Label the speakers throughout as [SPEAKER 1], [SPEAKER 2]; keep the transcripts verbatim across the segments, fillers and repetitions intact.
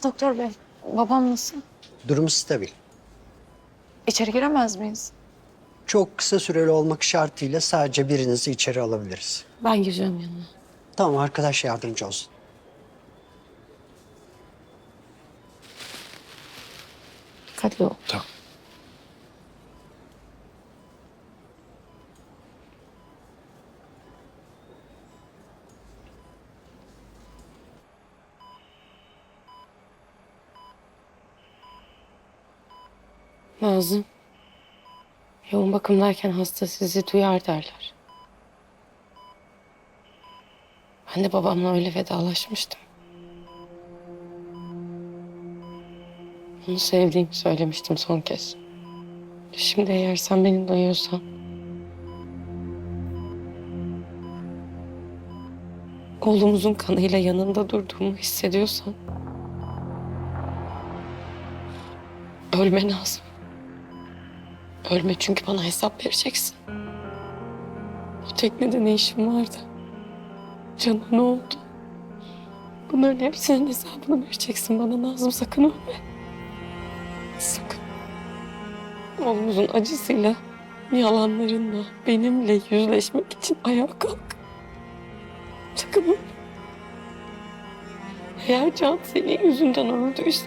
[SPEAKER 1] Doktor bey, babam nasıl?
[SPEAKER 2] Durumu stabil.
[SPEAKER 1] İçeri giremez miyiz?
[SPEAKER 2] Çok kısa süreli olmak şartıyla sadece birinizi içeri alabiliriz.
[SPEAKER 1] Ben gireceğim yanına.
[SPEAKER 2] Tamam, arkadaş yardımcı olsun.
[SPEAKER 1] Dikkatli ol.
[SPEAKER 3] Tamam.
[SPEAKER 4] Nazım, yoğun bakımdayken hasta sizi duyar derler. Ben de babamla öyle vedalaşmıştım. Onu sevdiğimi söylemiştim son kez. Şimdi eğer sen beni duyuyorsan... oğlumuzun kanıyla yanında durduğumu hissediyorsan... ölme Nazım. Ölme, çünkü bana hesap vereceksin. O teknede ne işin vardı? Can'a ne oldu? Bunların hepsinin hesabını vereceksin bana Nazım, sakın ölme. Sakın. Oğlumuzun acısıyla, yalanlarınla, benimle yüzleşmek için ayağa kalk. Sakın ölme. Eğer Can senin yüzünden öldüyse...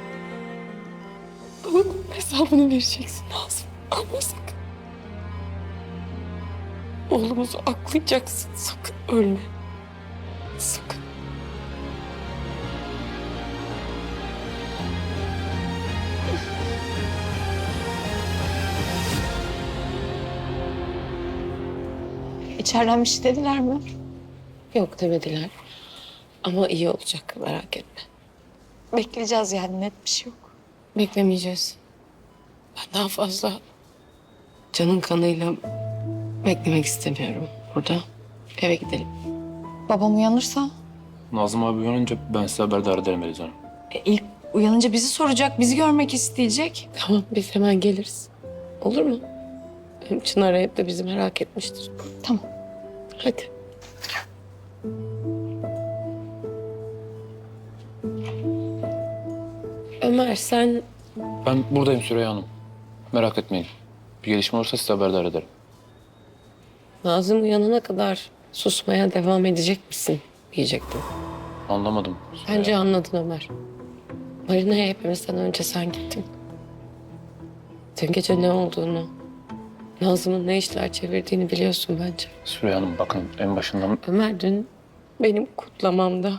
[SPEAKER 4] bana bunun hesabını vereceksin Nazım. Ama sakın. Oğlumuzu aklayacaksın. Sakın ölme. Sakın.
[SPEAKER 1] İçeriden bir şey dediler mi?
[SPEAKER 4] Yok demediler. Ama iyi olacak, merak etme.
[SPEAKER 1] Bekleyeceğiz yani, net bir şey yok.
[SPEAKER 4] Beklemeyeceğiz. Ben daha fazla Can'ın kanıyla beklemek istemiyorum burada. Eve gidelim.
[SPEAKER 1] Babam uyanırsa?
[SPEAKER 3] Nazım abi uyanınca ben size haberdar ederim Eliz Hanım.
[SPEAKER 1] E, ilk uyanınca bizi soracak, bizi görmek isteyecek.
[SPEAKER 4] Tamam, biz hemen geliriz. Olur mu? Hem Çınar hep de bizi merak etmiştir.
[SPEAKER 1] Tamam.
[SPEAKER 4] Hadi. Ömer, sen
[SPEAKER 3] Ben buradayım Süreyya Hanım. Merak etmeyin. Bir gelişme olursa size haberdar ederim.
[SPEAKER 4] Nazım uyanana kadar susmaya devam edecek misin diyecektim.
[SPEAKER 3] Anlamadım. Süreyya.
[SPEAKER 4] Bence anladın Ömer. Marina'ya hepimizden önce sen gittin. Dün gece ne olduğunu, Nazım'ın ne işler çevirdiğini biliyorsun bence.
[SPEAKER 3] Süreyya Hanım bakın en başından...
[SPEAKER 4] Ömer, dün benim kutlamamda,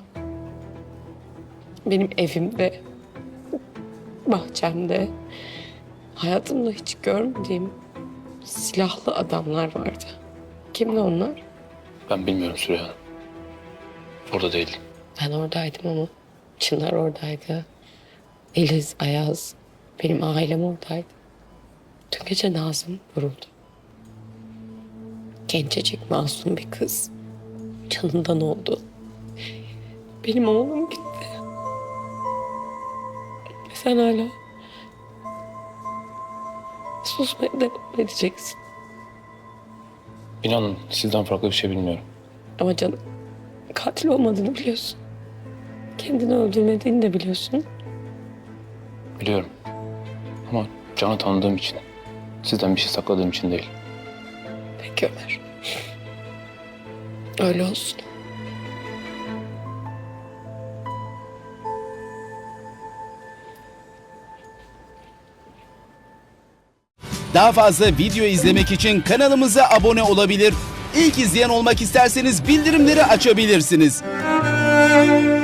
[SPEAKER 4] benim evimde, bahçemde, hayatımda hiç görmediğim silahlı adamlar vardı. Kimdi onlar?
[SPEAKER 3] Ben bilmiyorum Süreyya Hanım. Orada değildim.
[SPEAKER 4] Ben oradaydım ama Çınar oradaydı. Eliz, Ayaz, benim ailem oradaydı. Dün gece Nazım vuruldu. Gencecik, masum bir kız. Canından oldu. Benim oğlum gitti. Ve sen hala susmaya devam edeceksin.
[SPEAKER 3] İnanın sizden farklı bir şey bilmiyorum.
[SPEAKER 4] Ama canım, katil olmadığını biliyorsun. Kendini öldürmediğini de biliyorsun.
[SPEAKER 3] Biliyorum. Ama Can'ı tanıdığım için, sizden bir şey sakladığım için değil.
[SPEAKER 4] Peki Ömer. Öyle olsun.
[SPEAKER 5] Daha fazla video izlemek için kanalımıza abone olabilir. İlk izleyen olmak isterseniz bildirimleri açabilirsiniz.